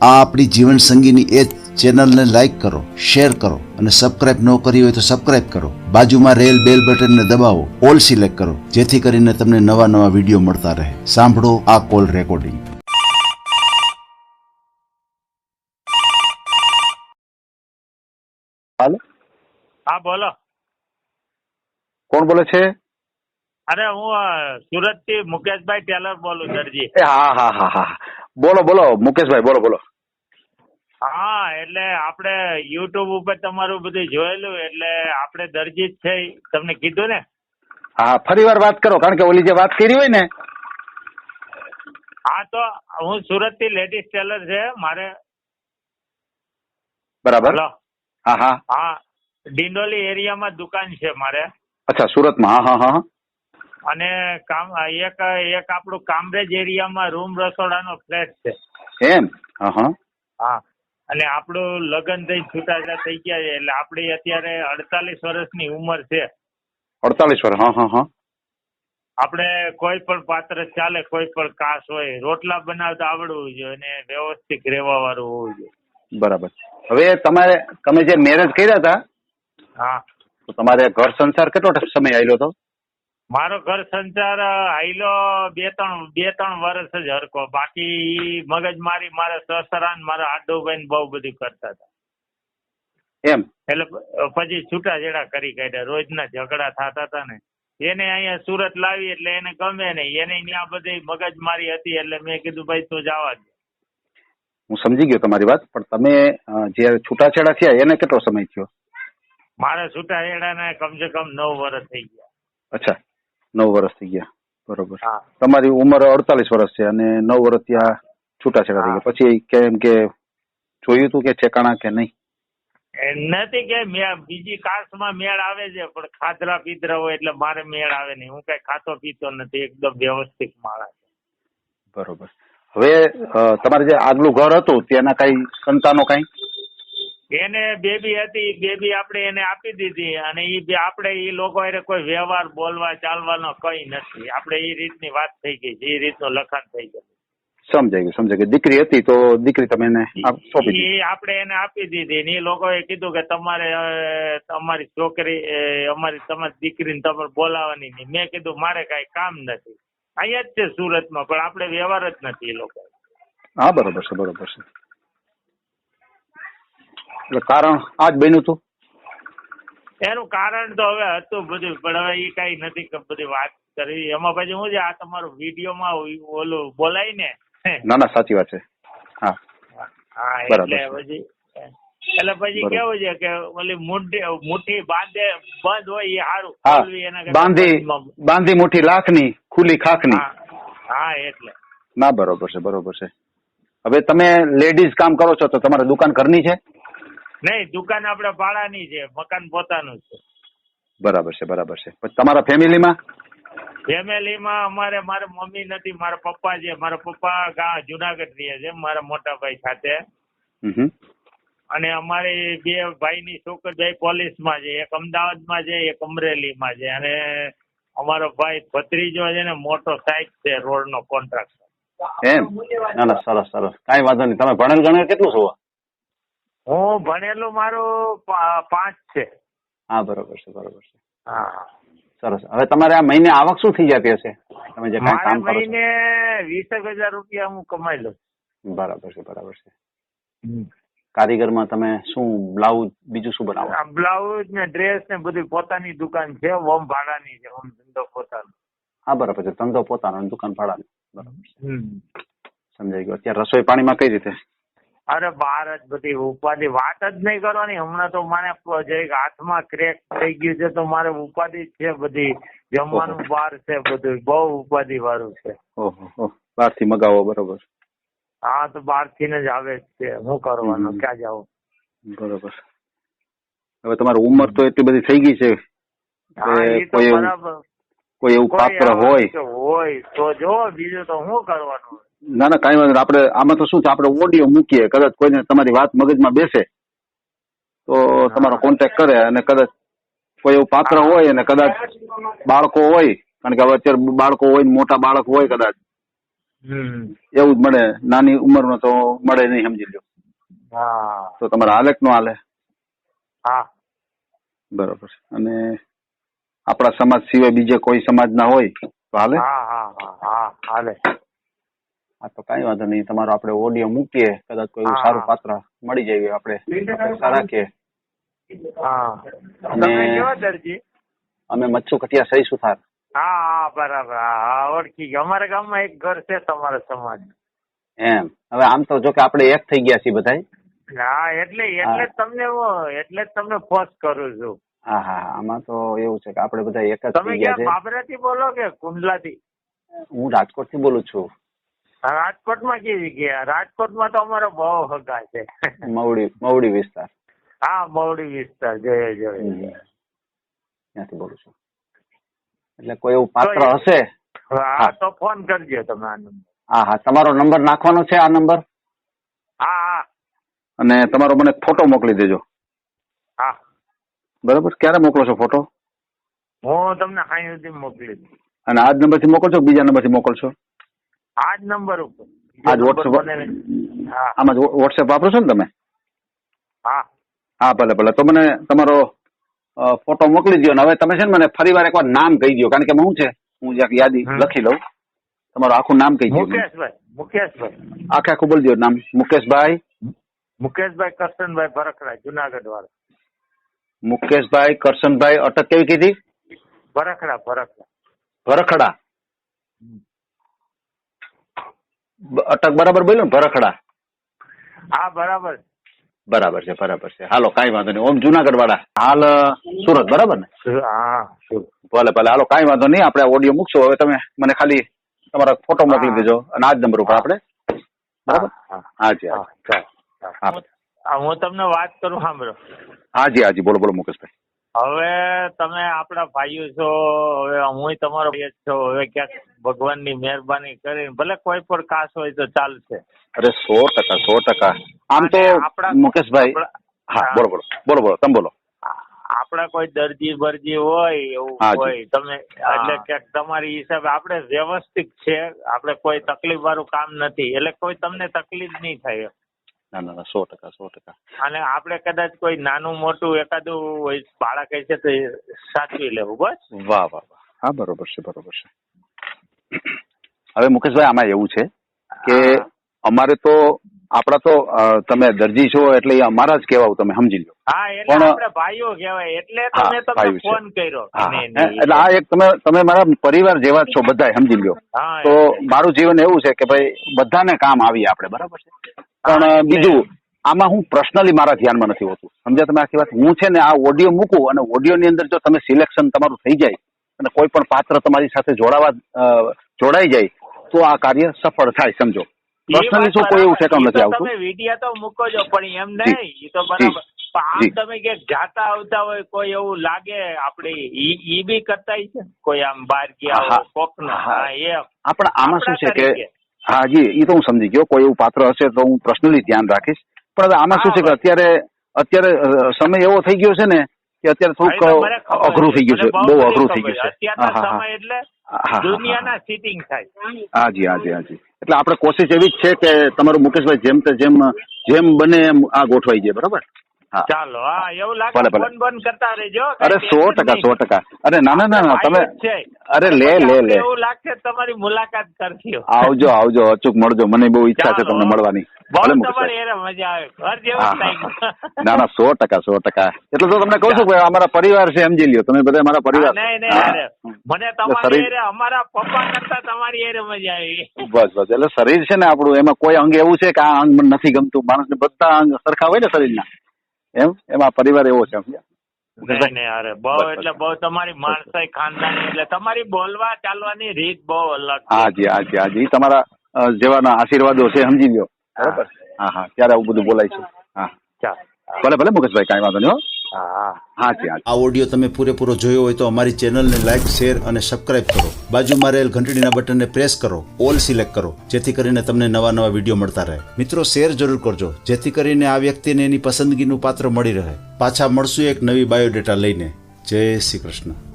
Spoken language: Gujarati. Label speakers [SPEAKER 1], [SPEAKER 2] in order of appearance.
[SPEAKER 1] આ આપણી જીવન સંગીની એ ચેનલને લાઈક કરો, શેર કરો અને સબસ્ક્રાઇબ ન કરી હોય તો સબસ્ક્રાઇબ કરો. બાજુમાં રહેલ બેલ બટનને દબાવો, ઓલ સિલેક્ટ કરો, જેથી કરીને તમને નવા નવા વિડીયો મળતા રહે. સાંભળો આ કોલ રેકોર્ડિંગ.
[SPEAKER 2] હાલો,
[SPEAKER 3] હા બોલો.
[SPEAKER 2] કોણ બોલે છે?
[SPEAKER 3] અરે હું સુરત થી મુકેશભાઈ ટેલર બોલું દરજી.
[SPEAKER 2] હા, બોલો બોલો મુકેશભાઈ, બોલો.
[SPEAKER 3] હા, એટલે આપણે યુટ્યુબ ઉપર તમારું બધું જોયેલું, એટલે આપણે દરજી જ છે, તમને કીધું ને.
[SPEAKER 2] હા, ફરી વાર વાત કરો, કારણ કે ઓલી જે વાત કરી હોય ને.
[SPEAKER 3] હા, તો હું સુરત થી લેડીઝ ટેલર છે મારે.
[SPEAKER 2] બરાબર.
[SPEAKER 3] હલો.
[SPEAKER 2] હા.
[SPEAKER 3] હા, ડિંડોલી એરિયામાં દુકાન છે મારે.
[SPEAKER 2] અચ્છા, સુરતમાં. હા.
[SPEAKER 3] અને એક આપણું કામરેજ એરિયામાં રૂમ રસોડાનો ફ્લેટ છે.
[SPEAKER 2] એમ? હા.
[SPEAKER 3] હા, અને આપણું લગ્ન થઈ છૂટાછેડા થઈ ગયા છે, એટલે આપણી અત્યારે 48 વર્ષની ઉંમર છે.
[SPEAKER 2] 48 વર્ષ. હા.
[SPEAKER 3] આપણે કોઈ પણ પાત્ર ચાલે, કોઈ પણ કાસ હોય, રોટલા બનાવતા આવડવું જોઈએ અને વ્યવસ્થિત રહેવા વાળું હોવું જોઈએ.
[SPEAKER 2] બરાબર. હવે તમે જે મેરેજ કર્યા હતા,
[SPEAKER 3] હા,
[SPEAKER 2] તો તમારે ઘર સંસાર કેટલો સમય આવેલો હતો?
[SPEAKER 3] મારો ઘર સંસાર આયલો બે ત્રણ વર્ષ જ હરકો. બાકી મગજ મારી મારા સસરા ને મારા આડુભાઈ ને બહુ બધું કરતા હતા.
[SPEAKER 2] એમ?
[SPEAKER 3] એટલે પછી છૂટાછેડા કરી કાઢ્યા. રોજના ઝઘડા થતા હતા ને, એને અહીંયા સુરત લાવી એટલે એને ગમે નહીં. એને ત્યાં બધી મગજ મારી હતી, એટલે મેં કીધું ભાઈ તું જવા દે.
[SPEAKER 2] હું સમજી ગયો તમારી વાત, પણ તમે જે છૂટાછેડા થયા એને કેટલો સમય થયો?
[SPEAKER 3] મારા છૂટાછેડાને કમસે કમ 9 વર્ષ થઈ ગયા.
[SPEAKER 2] અચ્છા, 9 વર્ષ થઈ ગયા. બરોબર.
[SPEAKER 3] હા.
[SPEAKER 2] તમારી ઉંમર 48 વર્ષ છે અને 9 વર્ષ ત્યાં છૂટાછેડા થઈ ગયા. પછી કેમ કે જોયું તું કે ઠેકાણા કે નહીં?
[SPEAKER 3] નથી કે બીજી કાસ્ટમાં મેળ આવે છે, પણ ખાધરા પીધરા હોય એટલે મારે મેળ આવે નહીં. હું કઈ ખાતો પીતો નથી, એકદમ વ્યવસ્થિત માણસ.
[SPEAKER 2] બરોબર. હવે તમારે જે આગલું ઘર હતું તેના કઈ સંતાનો કઈ?
[SPEAKER 3] એને બેબી હતી, બેબી આપણે એને આપી દીધી, અને આપણે એ લોકો કોઈ વ્યવહાર બોલવા ચાલવાનો કઈ નથી. આપણે એ રીતની વાત થઈ ગઈ છે, એ રીતનું લખાણ થઈ ગયું.
[SPEAKER 2] સમજાઈ ગયું. દીકરી હતી તો દીકરી તમે એને સોંપી દીધી?
[SPEAKER 3] આપણે એને આપી દીધી ને એ લોકોએ કીધું કે તમારે તમારી છોકરી તમારી દીકરીને તમારે બોલાવવાની નહીં. મેં કીધું મારે કઈ કામ નથી, અહીંયા જ છે સુરતમાં, પણ આપણે વ્યવહાર જ નથી એ લોકો.
[SPEAKER 2] હા, બરોબર છે. એટલે કારણ આ જ બન્યું હતું?
[SPEAKER 3] એનું કારણ તો હવે હતું બધું, પણ હવે એ કઈ નથી કે બધી વાત કરવી. એમાં પછી શું છે, આ તમારું વિડીયોમાં ઓલું બોલાય ને.
[SPEAKER 2] ના, સાચી વાત છે. હા,
[SPEAKER 3] એટલે પછી કેવું છે કે ઓલી મુઠ્ઠી બંધ હોય એ સારું.
[SPEAKER 2] હા, બાંધી મુઠ્ઠી લાખની, ખુલ્લી ખાખની.
[SPEAKER 3] હા, એટલે.
[SPEAKER 2] ના, બરોબર છે. હવે તમે લેડીઝ કામ કરો છો તો તમારે દુકાન ઘરની છે?
[SPEAKER 3] નહીં, દુકાન આપણે ભાડાની છે, મકાન પોતાનું છે.
[SPEAKER 2] બરાબર છે. પછી તમારા ફેમિલીમાં
[SPEAKER 3] અમારે મારા મમ્મી નથી, મારા પપ્પા છે. મારા પપ્પા જુનાગઢ રહે છે મારા મોટા ભાઈ સાથે. અને અમારે 2 ભાઈની છોકરી, 2 પોલીસમાં છે, એક અમદાવાદમાં છે, એક અમરેલીમાં છે. અને અમારો ભાઈ ભત્રીજો છે ને, મોટો સાઈડ છે, રોડનો કોન્ટ્રાક્ટર.
[SPEAKER 2] એમ? ના, સરસ. કાંઈ વાંધો નહીં. તમે ભણેલ ગણેલ કેટલું છો?
[SPEAKER 3] હું ભણેલું મારું 5 છે.
[SPEAKER 2] હા, બરોબર છે.
[SPEAKER 3] હા,
[SPEAKER 2] સરસ. હવે તમારે આ મહિને આવક શું થઈ જતી હશે? તમે જે કાંઈ કામ કરો છો?
[SPEAKER 3] મહિને 20,000 રૂપિયા હું કમાઈ લઉં.
[SPEAKER 2] બરાબર છે. કારીગરમાં તમે શું બ્લાઉઝ બીજું શું બનાવો?
[SPEAKER 3] બ્લાઉઝ ને ડ્રેસ ને બધી પોતાની દુકાન છે, હોમ ભાડાની છે, હોમ ધંધો પોતાનો.
[SPEAKER 2] હા, બરાબર છે. ધંધો પોતાનો, દુકાન ભાડાની. બરાબર છે, સમજાઈ ગયું. અત્યારે રસોઈ પાણીમાં કઈ રીતે?
[SPEAKER 3] અરે બહાર જ બધી ઉપાધિ, વાત જ નહીં કરવાની. હમણાં તો મને હાથમાં ક્રેક થઈ ગયું છે, તો મારે ઉપાધિ છે બધી. જમવાનું બહાર છે, બધું બહુ ઉપાધિ વાળું છે.
[SPEAKER 2] ઓહો, બહારથી મગાવો. બરોબર.
[SPEAKER 3] હા, તો બહારથી જ આવે જ છે. શું કરવાનું, ક્યાં જવું?
[SPEAKER 2] બરોબર. હવે તમારી ઉંમર તો એટલી બધી થઈ ગઈ છે, કોઈ એવું પાત્ર
[SPEAKER 3] હોય તો જો, બીજું તો શું કરવાનું?
[SPEAKER 2] ના, કઈ વાંધો. આપણે આમાં તો શું છે, આપણે ઓડિયો મૂકીએ, કદાચ કોઈને તમારી વાત મગજમાં બેસે તો તમારો કોન્ટેક્ટ કરે, અને કદાચ કોઈ એવું પાત્ર હોય અને કદાચ બાળકો હોય, કારણ કે હવે અત્યારે બાળકો હોય, મોટા બાળક હોય કદાચ, એવું જ મળે, નાની ઉંમરનો તો મળે નહીં, સમજી લો.
[SPEAKER 3] હા
[SPEAKER 2] તો તમારે હાલે કે ન હાલે?
[SPEAKER 3] હા
[SPEAKER 2] બરોબર. અને આપણા સમાજ સિવાય બીજે કોઈ સમાજ ના હોય તો હાલે?
[SPEAKER 3] હા હા હા હા હાલે.
[SPEAKER 2] હા તો કઈ વાંધો નહીં, તમારો આપણે ઓડિયો મૂકીએ, કદાચ કોઈ એવું
[SPEAKER 3] હા.
[SPEAKER 2] સારું પાત્ર મળી જાય આપણે અપેક્ષા રાખીએ.
[SPEAKER 3] હા
[SPEAKER 2] અને
[SPEAKER 3] તમે કેવા દરજી?
[SPEAKER 2] અમે મચ્છુ કટિયા સહી સુથાર.
[SPEAKER 3] હા હા બરાબર, હા હા ઓળખી ગયો. અમારા ગામમાં એક ઘર છે તમારા સમાજ.
[SPEAKER 2] એમ હવે આમ તો જો કે આપણે એક થઈ ગયા છીએ બધા.
[SPEAKER 3] હા એટલે જ તમને ફોર્સ કરું છું.
[SPEAKER 2] હા હા આમાં તો એવું છે કે આપણે બધા એક જ
[SPEAKER 3] તમે
[SPEAKER 2] થઈ ગયા
[SPEAKER 3] ક્યાં
[SPEAKER 2] છે.
[SPEAKER 3] બાબરાથી બોલો કે કુંડલાથી?
[SPEAKER 2] હું રાજકોટ થી બોલું છું.
[SPEAKER 3] રાજકોટમાં કેવી ગયા? રાજકોટમાં તો અમારો બહુ હગા છે.
[SPEAKER 2] મવડી વિસ્તાર.
[SPEAKER 3] હા મવડી વિસ્તાર જોયે.
[SPEAKER 2] ત્યાંથી બોલું છું. એટલે કોઈ એવું પાત્ર હશે?
[SPEAKER 3] હા તો ફોન કરજો તમે આ નંબર.
[SPEAKER 2] હા હા તમારો નંબર નાખવાનો છે, આ નંબર.
[SPEAKER 3] હા હા
[SPEAKER 2] અને તમારો મને ફોટો મોકલી દેજો.
[SPEAKER 3] હા
[SPEAKER 2] બરાબર. ક્યારે મોકલો છો ફોટો?
[SPEAKER 3] હું તમને અહીં સુધી મોકલી દઉં.
[SPEAKER 2] અને આ જ નંબર થી મોકલશો, બીજા નંબર થી મોકલશો?
[SPEAKER 3] આ જ નંબર ઉપર.
[SPEAKER 2] આજ વોટ્સએપ?
[SPEAKER 3] હા
[SPEAKER 2] આમાં વોટ્સએપ વાપરો છો ને તમે?
[SPEAKER 3] હા
[SPEAKER 2] હા ભલે ભલે. તો મને તમારો ફોટો મોકલી દો. હવે તમે છે ને મને ફરી વાર એકવાર નામ કહી દો, કારણ કે શું છે હું જ્યાં યાદી લખી લઉં. તમારું આખું નામ કહી દો.
[SPEAKER 3] મુકેશભાઈ.
[SPEAKER 2] આખું બોલી દો નામ. મુકેશભાઈ
[SPEAKER 3] કરશનભાઈ ભરખડા, જુનાગઢ વાળા.
[SPEAKER 2] મુકેશભાઈ કરશનભાઈ, અટક કેવી કીધી? ભરખડા. અટક બરાબર બોલ્યો ને? ભરખડા.
[SPEAKER 3] હા બરાબર
[SPEAKER 2] છે. હાલો કઈ વાંધો નહીં. ઓમ જુનાગઢ વાળા, હાલ સુરત, બરાબર ને?
[SPEAKER 3] હા
[SPEAKER 2] ભલે હાલો કઈ વાંધો નહીં. આપણે ઓડિયો મૂકશો. હવે તમે મને ખાલી તમારા ફોટો મોકલી દેજો અને આ જ નંબર ઉપર આપણે. બરાબર. હાજી.
[SPEAKER 3] હું તમને વાત કરું, સાંભળો.
[SPEAKER 2] હાજી બોલો મુકેશભાઈ.
[SPEAKER 3] હવે તમે આપણા ભાઈઓ છો, હવે હું તમારો ભાઈ જ છો. હવે ક્યાંક ભગવાનની મહેરબાની કરીને ભલે કોઈ પણ કાસ હોય તો ચાલશે.
[SPEAKER 2] અરે 100%. આમ તો મુકેશભાઈ. હા બોલો તમે બોલો.
[SPEAKER 3] આપડા કોઈ દરજી બરજી હોય એવું હોય તમે એટલે ક્યાંક તમારી હિસાબે આપણે વ્યવસ્થિત છે. આપણે કોઈ તકલીફ વાળું કામ નથી, એટલે કોઈ તમને તકલીફ નહીં થાય.
[SPEAKER 2] ના 100%.
[SPEAKER 3] અને આપણે કદાચ કોઈ નાનું મોટું એકાદું હોય બાળક છે તો સાચવી લેવું. બસ.
[SPEAKER 2] વાહ. હા બરોબર છે. હવે મુકેશભાઈ આમાં એવું છે કે અમારે તો આપડા તો તમે દરજી છો એટલે અમારા જ કહેવાય, તમે સમજી લો.
[SPEAKER 3] હા એટલે આપણે ભાઈઓ કહેવાય એટલે તમે તમને ફોન કર્યો.
[SPEAKER 2] એટલે આ એક તમે મારા પરિવાર જેવા જ છો બધા, સમજી લો. તો મારું જીવન એવું છે કે ભાઈ બધાને કામ આવીએ આપણે, બરાબર છે. પણ બીજું આમાં હું પર્સનલી મારા ધ્યાનમાં નથી હોતું, સમજ્યા તમે આખી વાત. હું છે ને આ ઓડિયો મૂકું અને ઓડિયો ની અંદર જો તમે સિલેક્શન તમારું થઈ જાય અને કોઈ પણ પાત્ર તમારી સાથે જોડાઈ જાય તો આ કાર્ય સફળ થાય, સમજો. પર્સનલી શું કોઈ એવું ઠેકાણું નથી આવતું.
[SPEAKER 3] તમે વિડીયો તો મૂકો છો પણ એમ નહીં, એ તો બરાબર. આમ તમે ક્યાંક જાતા આવતા હોય કોઈ એવું લાગે આપણે ઈ બી કરતા છે કોઈ આમ બહાર ગયા હોય કોક ના એમ.
[SPEAKER 2] આપણે આમાં શું છે કે હાજી એ તો હું સમજી ગયો. કોઈ એવું પાત્ર હશે તો હું પર્સનલી ધ્યાન રાખીશ. પણ હવે આમાં શું છે કે અત્યારે સમય એવો થઈ ગયો છે ને કે અત્યારે થોડુંક અઘરું થઈ ગયું છે, બહુ અઘરું થઈ ગયું છે.
[SPEAKER 3] અત્યારના સમય એટલે દુનિયાના સીટિંગ થાય.
[SPEAKER 2] હાજી. એટલે આપણે કોશિશ એવી જ છે કે તમારું મુકેશભાઈ જેમ બને એમ આ ગોઠવાઈ જાય, બરાબર?
[SPEAKER 3] ચાલો. હા એવું લાગે ફોન બંધ કરતા રહેજો.
[SPEAKER 2] અરે 100%. અરે ના તમે અરે લે
[SPEAKER 3] એવું લાગશે તમારી મુલાકાત કરજો.
[SPEAKER 2] આવજો અચૂક મળજો. મને બહુ ઈચ્છા છે તમને મળવાની.
[SPEAKER 3] તમારી એને મજા આવે. ઘર જેવું લાગ્યું.
[SPEAKER 2] ના 100%. એટલે તો તમને કહું છું કે અમારા પરિવાર છે, સમજી લ્યો. તમે બધા અમારા પરિવાર.
[SPEAKER 3] નહીં મને તમારી અમારા પપ્પા કરતા તમારી એને મજા આવી.
[SPEAKER 2] બસ એટલે શરીર છે ને આપણું, એમાં કોઈ અંગ એવું છે કે આ અંગ મને નથી ગમતું. માણસને બધા અંગ સરખા હોય ને શરીરના, એમાં પરિવાર એવો છે.
[SPEAKER 3] બહુ તમારી માણસાઈ ખાનદાની એટલે તમારી બોલવા ચાલવાની રીત બહુ અલગ.
[SPEAKER 2] હાજી તમારા જેવાના આશીર્વાદો છે, સમજી લ્યો. બરાબર. હા ત્યારે આવું બધું બોલાય છે. ભલે મુકેશભાઈ કાંઈ વાંધો નહીં. હાજી.
[SPEAKER 1] આ ઓડિયો તમે પૂરેપૂરો જોયો હોય તો અમારી ચેનલને લાઈક, શેર અને સબસ્ક્રાઇબ કરો. બાજુમાં રહેલ ઘંટડીના બટનને પ્રેસ કરો, ઓલ સિલેક્ટ કરો, જેથી કરીને તમને નવા વિડીયો મળતા રહે. મિત્રો શેર જરૂર કરજો, જેથી કરીને આ વ્યક્તિને એની પસંદગીનું પાત્ર મળી રહે. પાછા મળશું એક નવી બાયોડેટા લઈને. જય શ્રી કૃષ્ણ.